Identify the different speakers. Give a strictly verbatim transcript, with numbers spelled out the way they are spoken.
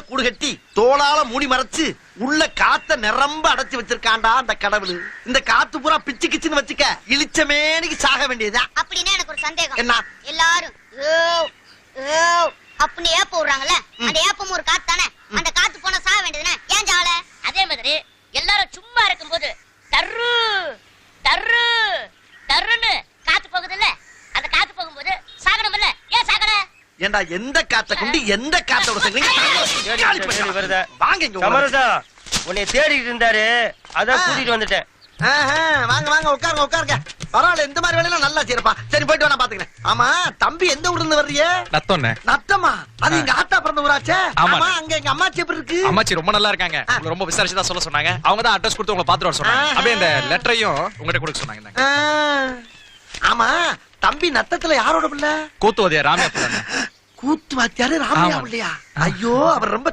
Speaker 1: கூடு கட்டி தோளால மூடி மறைச்சு உள்ள காத்த நிரம்ப அடைச்சு வச்சிருக்காண்டா அந்த கடவுள். இந்த காத்து பூரா பிச்சு கிச்சுன்னு வச்சுக்க இளிச்சமேனிக்கு சாக வேண்டியதுதான்.
Speaker 2: அப்படின்னா எனக்கு ஒரு சந்தேகம்.
Speaker 1: என்ன?
Speaker 2: எல்லாரும் அப்படின்னு ஏப்ப விடுறாங்கல்ல, அந்த ஏப்பம் ஒரு காத்து தானே. அந்த காத்து போனா சாக வேண்டியதுனே, ஏன் ஜால?
Speaker 3: அதே மாதிரி எல்லாரும் சும்மா இருக்கும்போது தர்ரு தர்ரு தர்ருன்னு காத்து போகுது இல்ல, அந்த காத்து போகும்போது சாகணும் இல்ல, ஏன் சாகல?
Speaker 1: ஏண்டா எந்த காத்த கொண்டு எந்த காத்தோட சேர்ந்து வாங்க இங்க
Speaker 4: சமரசா உன்னை தேடிட்டு இருந்தாரு, அதான் கூட்டிட்டு வந்துட்டேன்.
Speaker 1: வாங்க வாங்க உட்காருங்க உட்காருங்க. பரவாயில்ல, இந்த மாதிரி வேலையெல்லாம் நல்லா செய்யறப்பா. சரி போயிட்டு நான் பாத்துக்கிறேன். ஆமா தம்பி எந்த ஊர்ல இருந்து வர்றீங்க?
Speaker 5: நத்தோண்ணே.
Speaker 1: நத்தமா? அது எங்க ஆத்தா பிறந்த ஊராச்சே.
Speaker 5: ஆமா.
Speaker 1: ஆமா, அங்க எங்க அம்மாச்சி எப்படி இருக்கு?
Speaker 5: அம்மாச்சி ரொம்ப நல்லா இருக்காங்க. உங்களை ரொம்ப விசாரிச்சு தான் சொல்ல சொன்னாங்க. அவங்க தான் அட்ரஸ் கொடுத்து உங்களை பாத்துட்டு வர சொன்னாங்க. அப்படியே இந்த லெட்டரையும் உங்ககிட்ட கொடுக்க சொன்னாங்க.
Speaker 1: ஆமா தம்பி நத்தத்துல யாரோட பிள்ளை?
Speaker 5: கூத்துவதியா ராமையா.
Speaker 1: கூத்து வாத்தியாரு ராமையா இல்லையா? ஐயோ அவர் ரொம்ப